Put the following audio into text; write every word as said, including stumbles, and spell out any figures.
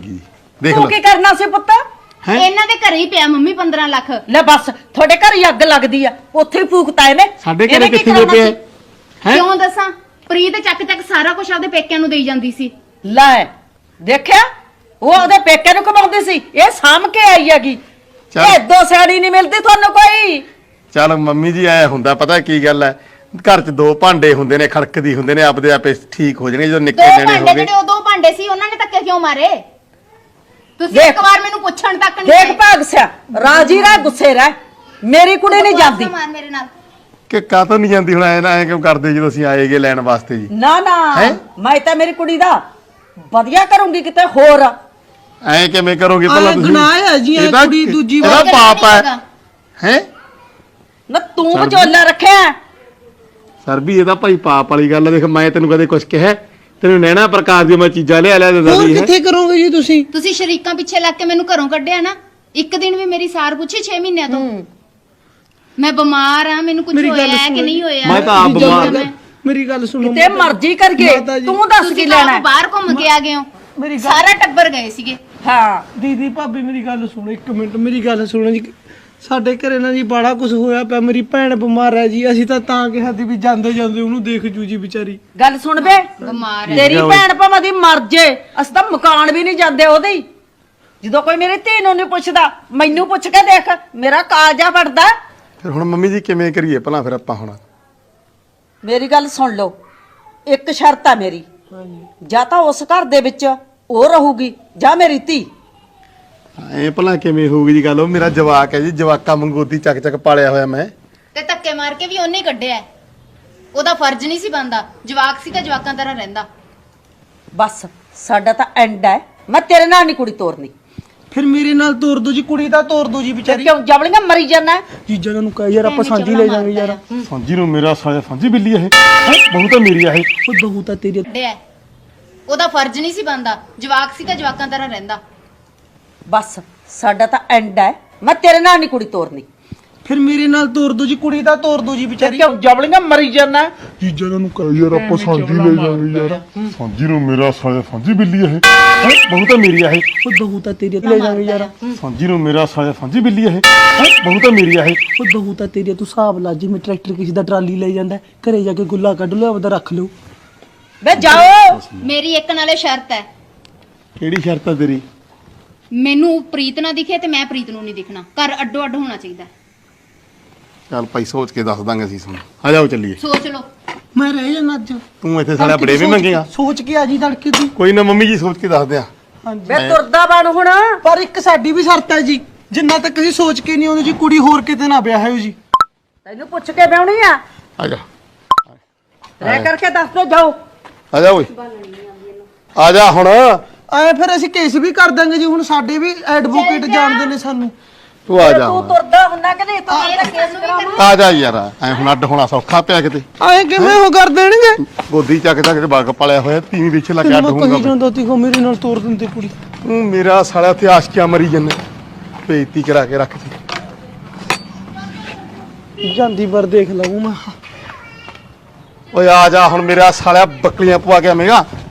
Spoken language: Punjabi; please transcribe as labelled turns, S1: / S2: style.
S1: ਗਈ ਦੇਖ
S2: ਤੂੰ
S1: ਲੈ
S2: ਕੀ ਕਰਨਾ ਸੀ ਪੁੱਤ
S3: ਇਹਨਾਂ ਦੇ ਘਰੇ ਹੀ ਪਿਆ ਮੰਮੀ ਪੰਦਰਾਂ ਲੱਖ।
S2: ਲੈ ਬਸ ਤੁਹਾਡੇ ਘਰ ਹੀ ਅੱਗ ਲੱਗਦੀ ਆ ਉੱਥੇ ਹੀ ਫੂਕਤਾ ਇਹਨੇ
S1: ਸਾਡੇ ਘਰੇ
S2: ਇਹਨੇ ਕੀ
S1: ਕਿੱਥੇ
S2: ਕਰਨਾ
S1: ਪਿਆ
S2: ਸੀ?
S1: ਹੈ
S3: ਕਿਉਂ ਦੱਸਾਂ? ਪ੍ਰੀਤ ਚੱਕ ਚੱਕ ਸਾਰਾ ਕੁਝ ਆਪਦੇ ਪੇਕਿਆਂ ਨੂੰ ਦੇਈ ਜਾਂਦੀ ਸੀ।
S2: ਲੈ ਦੇਖਿਆ ਉਹ ਉਹਦੇ ਪੇਕੇ ਨੂੰ ਕਮਾਉਂਦੀ ਸੀ ਇਹ ਸਾਂਭ ਕੇ ਆਈ ਹੈਗੀ
S1: ਚੱਲ।
S2: ਇਹ ਦੋ ਸਾੜੀ ਨਹੀਂ ਮਿਲਦੀ ਤੁਹਾਨੂੰ ਕੋਈ।
S1: ਚੱਲ ਮੰਮੀ ਜੀ ਐ ਹੁੰਦਾ ਪਤਾ ਕੀ ਗੱਲ ਹੈ ਘਰ 'ਚ ਦੋ ਭਾਂਡੇ ਹੁੰਦੇ ਨੇ ਖੜਕਦੀ ਹੁੰਦੇ ਨੇ ਆਪਦੇ ਆਪੇ ਠੀਕ ਹੋ ਜਾਣਗੇ ਜਦੋਂ
S3: ਦੋ
S1: ਨਿੱਕੇ ਨਿਆਣੇ
S3: ਭਾਂਡੇ
S1: ਹੋ ਗਏ।
S3: ਜਿਹੜੇ ਉਹ ਦੋ ਭਾਂਡੇ ਸੀ ਉਹਨਾਂ ਨੇ ਧੱਕੇ ਕਿਉਂ ਮਾਰੇ? ਤੁਸੀਂ
S2: ਦੇਖ।
S3: ਇੱਕ ਵਾਰ ਮੈਨੂੰ ਪੁੱਛਣ ਤੱਕ ਨਹੀਂ
S2: ਦੇਖ ਭਾਗ ਸਿਆ ਰਾਜੀ ਰਹਿ ਗੁੱਸੇ ਰਹਿ ਮੇਰੀ ਕੁੜੀ ਨਹੀਂ ਜਾਂਦੀ
S3: ਮਾਰ ਮੇਰੇ ਨਾਲ।
S1: ਕਿ ਕਾਹਤੋਂ ਨਹੀਂ ਜਾਂਦੀ ਹੁਣ ਐ ਨਾ ਐ ਕਿਉਂ ਕਰਦੇ ਜਦੋਂ ਅਸੀਂ ਆਏਗੇ ਲੈਣ ਵਾਸਤੇ ਜੀ
S2: ਨਾ ਨਾ
S1: ਹੈਂ?
S2: ਮੈਂ ਤਾਂ ਮੇਰੀ ਕੁੜੀ ਦਾ ਵਧੀਆ ਕਰੂੰਗੀ ਕਿਤੇ ਹੋਰ।
S1: ਐ ਕਿਵੇਂ ਕਰੋਗੇ
S4: ਆਹ
S1: ਪਹਿਲਾਂ ਤੁਸੀਂ
S4: ਗੁਨਾਹ ਹੈ ਜੀ, ਇਹ
S1: ਇਹਦਾ-
S4: ਕੁੜੀ ਦੂਜੀ
S1: ਇਹਦਾ
S3: ਵਾਰ
S1: ਪਾਪ ਹੈ
S3: ਹੈਗਾ।
S1: ਹੈ
S2: ਨਾ ਤੂੰ
S1: ਸਰ ਜੀ।
S2: ਵਿਚੋਲਾ ਰੱਖਿਆ
S1: ਸਰ ਵੀ ਇਹਦਾ ਭਾਈ ਪਾਪ ਵਾਲੀ ਗੱਲ ਆ ਦੇਖ ਮੈਂ ਤੈਨੂੰ ਕਦੇ ਕੁਝ ਕਿਹਾ ਤੈਨੂੰ ਨੈਣਾ ਪ੍ਰਕਾਰ ਦੀਆਂ ਮੈਂ ਚੀਜ਼ਾਂ ਲਿਆ ਲਿਆ ਦਿੰਦਾ
S4: ਹੋਰ
S1: ਸੀ ਹੈਂ?
S4: ਕਿੱਥੇ ਕਰੋਗੇ ਜੀ ਤੁਸੀਂ?
S3: ਤੁਸੀਂ ਸ਼ਰੀਕਾਂ ਪਿੱਛੇ ਲੱਗ ਕੇ ਮੈਨੂੰ ਘਰੋਂ ਕੱਢਿਆ ਨਾ। ਇੱਕ ਦਿਨ ਵੀ ਮੇਰੀ ਸਾਰ ਪੁੱਛੀ ਛੇ ਮਹੀਨਿਆਂ ਤੋਂ। ਮੈਂ ਬਿਮਾਰ ਆ ਮੈਨੂੰ ਕੁਝ
S4: ਮੇਰੀ ਗੱਲ
S3: ਹੋਇਆ ਹੈ ਕਿ
S4: ਸੁਣੋ
S3: ਨਹੀਂ
S4: ਜੀ।
S3: ਹੋਇਆ?
S1: ਮੈਂ ਤਾਂ ਆਪ
S4: ਜੀ,
S1: ਬਿਮਾਰ
S4: ਜਦੋਂ- ਮੇਰੀ ਗੱਲ ਸੁਣੋ
S2: ਕਿਤੇ ਮਰਜ਼ੀ ਕਰ ਗਏ
S4: ਮਾਤਾ ਜੀ,
S2: ਤੂੰ ਦੱਸ ਕੀ
S3: ਤੁਸੀਂ
S2: ਲੈਣਾ
S3: ਤਾਂ
S2: ਹੈ?
S3: ਬਾਹਰ ਘੁੰਮ ਕੇ ਆ ਗਏ ਹੋ।
S4: ਮੇਰੀ ਗੱਲ
S3: ਸਾਰਾ ਟੱਬਰ ਗਏ ਸੀਗੇ।
S2: ਹਾਂ
S4: ਦੀਦੀ ਭਾਬੀ ਮੇਰੀ ਗੱਲ ਸੁਣੋ ਇੱਕ ਮਿੰਟ ਮੇਰੀ ਗੱਲ ਸੁਣੋ ਜੀ। ਸਾਡੇ ਘਰੇ ਨਾ ਜੀ ਬੜਾ ਕੁਝ ਹੋਇਆ ਪਿਆ। ਮੇਰੀ ਭੈਣ ਬਿਮਾਰ ਹੈ ਜੀ। ਅਸੀਂ ਤਾਂ ਤਾਂ ਕਿਹਾ ਸੀ ਵੀ ਜਾਂਦੇ ਜਾਂਦੇ ਉਹਨੂੰ ਦੇਖ ਜੂ ਜੀ ਵਿਚਾਰੀ।
S2: ਗੱਲ ਸੁਣ ਬੇ
S3: ਬਿਮਾਰ ਹੈ।
S2: ਤੇਰੀ ਭੈਣ ਭਾਵੇਂ ਦੀ ਮਰ ਜੇ ਅਸੀਂ ਤਾਂ ਮਕਾਨ ਵੀ ਨਹੀਂ ਜਾਂਦੇ ਉਹਦੇ ਹੀ। ਜਦੋਂ ਕੋਈ ਮੇਰੀ ਧੀ ਨੂੰ ਨਹੀਂ ਪੁੱਛਦਾ ਮੈਨੂੰ ਪੁੱਛ ਕੇ ਦੇਖ ਮੇਰਾ ਕਾਲਜਾ ਫੜਦਾ।
S1: ਫਿਰ ਹੁਣ ਮੰਮੀ ਜੀ ਕਿਵੇਂ ਕਰੀਏ ਭਲਾ ਫਿਰ ਆਪਾਂ ਹੁਣ
S2: ਮੇਰੀ ਗੱਲ ਸੁਣ ਲਓ ਇੱਕ ਸ਼ਰਤ ਆ ਮੇਰੀ ਜਾਂ ਤਾਂ ਉਸ ਘਰ ਦੇ ਵਿੱਚ ਉਹ ਰਹੂਗੀ ਜਾਂ ਮੇਰੀ ਧੀ।
S1: ਐ ਭਲਾ ਕਿਵੇਂ ਹੋਊਗੀ ਜੀ ਗੱਲ ਉਹ ਮੇਰਾ ਜਵਾਕ ਹੈ ਜੀ ਜਵਾਕਾ ਮੰਗੋਦੀ ਚੱਕ ਚੱਕ ਪਾਲਿਆ ਹੋਇਆ ਮੈਂ
S3: ਤੇ ਧੱਕੇ ਮਾਰ ਕੇ ਵੀ ਉਹਨੇ ਹੀ ਕੱਢਿਆ ਹੈ। ਉਹਦਾ ਫਰਜ਼ ਨਹੀਂ ਸੀ ਬਣਦਾ। ਜਵਾਕ ਸੀ ਤਾਂ ਜਵਾਕਾਂ ਤਰ੍ਹਾਂ ਰਹਿੰਦਾ।
S2: ਬਸ ਸਾਡਾ ਤਾਂ ਐਂਡ ਹੈ ਮੈਂ ਤੇਰੇ ਨਾਲ ਨਹੀਂ ਕੁੜੀ ਤੋਰਨੀ।
S4: ਫਿਰ ਮੇਰੇ ਨਾਲ ਤੋਰ ਦੋ ਜੀ ਕੁੜੀ ਤਾਂ ਤੋਰ ਦੋ ਜੀ
S2: ਫਿਰ
S4: ਵਿਚਾਰੀ।
S2: ਕਿਉਂ ਜਵਲੀਆਂ ਮਰੀ ਜਾਣਾ
S4: ਜੀਜਾ ਨੂੰ ਕਹੇ ਯਾਰ ਆਪਾਂ ਸਾਂਝੀ ਲੈ ਜਾਵਾਂਗੇ ਯਾਰ।
S1: ਸਾਂਝੀ ਨੂੰ ਮੇਰਾ ਸਾਇਆ ਸਾਂਝੀ ਬਿੱਲੀ ਇਹ ਬਹੁਤ ਤਾਂ ਮੇਰੀ ਆ ਇਹ
S4: ਉਹ ਬਹੂ ਤਾਂ ਤੇਰੀ
S3: ਕੱਢਿਆ ਹੈ। ਉਹਦਾ ਫਰਜ਼ ਨਹੀਂ ਸੀ ਬਣਦਾ। ਜਵਾਕ ਸੀ ਤਾਂ ਜਵਾਕਾਂ ਤਰ੍ਹਾਂ ਰਹਿੰਦਾ।
S2: ਬਸ ਸਾਡਾ ਤਾਂ ਐਂਡ ਹੈ ਮੈਂ ਤੇਰੇ ਨਾਲ ਨਹੀਂ ਕੁੜੀ ਤੋਰਨੀ।
S4: ਫਿਰ ਮੇਰੇ ਨਾਲ ਤੋਰ ਦੋ ਜੀ ਕੁੜੀ ਤਾਂ ਤੋਰ ਦੋ ਜੀ
S2: ਫਿਰ
S4: ਵਿਚਾਰੀ।
S2: ਕਿਉਂ ਜਵਲੀਆਂ ਮਰੀ ਜਾਣਾ
S1: ਜੀਜਾ ਨੂੰ ਕਹੇ ਯਾਰ ਆਪਾਂ ਸਾਂਝੀ ਲੈ ਜਾਵਾਂਗੇ ਯਾਰ ਸਾਂਝੀ ਨੂੰ ਮੇਰਾ ਸਾਇਆ ਸਾਂਝੀ ਬਿੱਲੀ ਇਹ ਬਹੁਤ ਤਾਂ ਮੇਰੀ ਆ ਇਹ
S4: ਉਹ ਬਹੂ ਤਾਂ ਤੇਰੀ ਲੈ ਜਾਵਾਂਗੇ ਯਾਰ।
S1: ਸਾਂਝੀ ਨੂੰ ਮੇਰਾ ਸਾਇਆ ਸਾਂਝੀ ਬਿੱਲੀ ਇਹ ਬਹੁਤ ਤਾਂ ਮੇਰੀ ਆ ਇਹ
S4: ਉਹ ਬਹੂ ਤਾਂ ਤੇਰੀ ਤੂੰ ਹਿਸਾਬ ਲਾ ਜੀ। ਮੈਂ ਟਰੈਕਟਰ ਕਿਸੇ ਦਾ ਟਰਾਲੀ ਲੈ ਜਾਂਦਾ ਘਰੇ ਜਾ ਕੇ ਗੁੱਲਾ ਕੱਢ ਲਓ ਆਪਦਾ ਰੱਖ ਲਓ।
S2: ਵੇ ਜਾਓ
S3: ਮੇਰੀ ਇੱਕ ਨਾਲੇ ਸ਼ਰਤ ਹੈ।
S1: ਕਿਹੜੀ ਸ਼ਰਤ ਆ ਤੇਰੀ
S3: ਮੈਨੂੰ ਪ੍ਰੀਤ ਨਾ ਦਿਖੇ ਤੇ ਮੈਂ ਪ੍ਰੀਤ ਨੂੰ ਨਹੀਂ ਦਿਖਣਾ। ਘਰ ਅੱਡੋ ਅੱਡ ਹੋਣਾ ਚਾਹੀਦਾ।
S1: ਚੱਲ ਭਾਈ ਸੋਚ ਕੇ ਦੱਸ ਦਾਂਗੇ ਅਸੀਂ ਤੁਹਾਨੂੰ ਆ ਜਾਓ ਚੱਲੀਏ
S3: ਸੋਚ ਲਓ।
S4: ਮੈਂ ਰਹਿ ਜਾਣਾ ਅੱਜ।
S1: ਤੂੰ ਇੱਥੇ ਸਾਡਾ ਬੜੇ ਵੀ ਮੰਗੇਗਾ
S4: ਸੋਚ ਕੇ ਆ ਜੀ ਤੜਕੇ ਤੂੰ।
S1: ਕੋਈ ਨਾ ਮੰਮੀ ਜੀ ਸੋਚ ਕੇ ਦੱਸਦੇ ਆ
S4: ਹਾਂਜੀ
S2: ਵੇ ਤੁਰਦਾ ਬਣ ਹੁਣ
S4: ਪਰ ਇੱਕ ਸਾਡੀ ਵੀ ਸ਼ਰਤ ਹੈ ਜੀ। ਜਿੰਨਾ ਤੱਕ ਅਸੀਂ ਸੋਚ ਕੇ ਨਹੀਂ ਆਉਂਦੇ ਜੀ ਕੁੜੀ ਹੋਰ ਕਿਤੇ ਨਾ ਵਿਆਹਿਓ ਜੀ।
S2: ਤੈਨੂੰ ਪੁੱਛ ਕੇ ਵਿਆਹਣੀ ਆ
S1: ਆ ਜਾ
S2: ਰਹਿ ਕਰਕੇ ਦੱਸ ਦੋ ਜਾਓ।
S1: ਆ ਜਾ ਓਏ ਆ ਜਾ ਹੁਣ
S4: ਐ ਫਿਰ ਅਸੀਂ ਕੇਸ ਵੀ ਕਰ ਦਾਂਗੇ ਜੀ। ਹੁਣ ਸਾਡੇ ਵੀ ਐਡਵੋਕੇਟ ਜਾਣਦੇ ਨੇ ਸਾਨੂੰ।
S1: ਤੂੰ ਆ ਜਾ
S2: ਤੂੰ
S1: ਹੁਣ।
S2: ਤੁਰਦਾ ਹੁੰਨਾ ਕਿ ਨਹੀਂ ਤੂੰ
S3: ਇਹ ਕੇਸ ਨੂੰ ਵੀ ਕਰਨਾ।
S1: ਆ ਜਾ ਯਾਰ ਐ ਹੁਣ ਅੱਡ ਹੋਣਾ ਸੌਖਾ ਪਿਆ ਕਿਤੇ
S4: ਐ ਕਿਵੇਂ ਉਹ ਕਰ ਦੇਣਗੇ?
S1: ਗੋਦੀ ਚੱਕ ਚੱਕ ਕੇ ਬਾਗ ਪਲਿਆ ਹੋਇਆ ਤੀਵੀਂ ਪਿੱਛੇ ਲੱਗ ਕੇ ਅੱਡ
S4: ਤੈਨੂੰ ਮੈਂ
S1: ਹੋਊਗਾ
S4: ਕਹੀ ਜਾਂਦਾ ਤੀ ਕੋ ਮੇਰੇ ਨਾਲ ਤੋਰ ਦਿੰਦੇ ਕੁੜੀ।
S1: ਤੂੰ ਮੇਰਾ ਸਾਲਾ ਇੱਥੇ ਆਸ਼ਕੀਆਂ ਮਰੀ ਜੰਨੇ ਬੇਇੱਜ਼ਤੀ ਕਰਾ ਕੇ ਰੱਖ
S4: ਜਾਂਦੀ ਵਾਰ ਦੇਖ ਲਵਾਂ ਮੈਂ।
S1: ਓਏ ਆ ਜਾ ਹੁਣ ਮੇਰਾ ਸਾਲਿਆ ਬੱਕਲੀਆਂ ਪਵਾ ਕੇ ਆਵੇਂਗਾ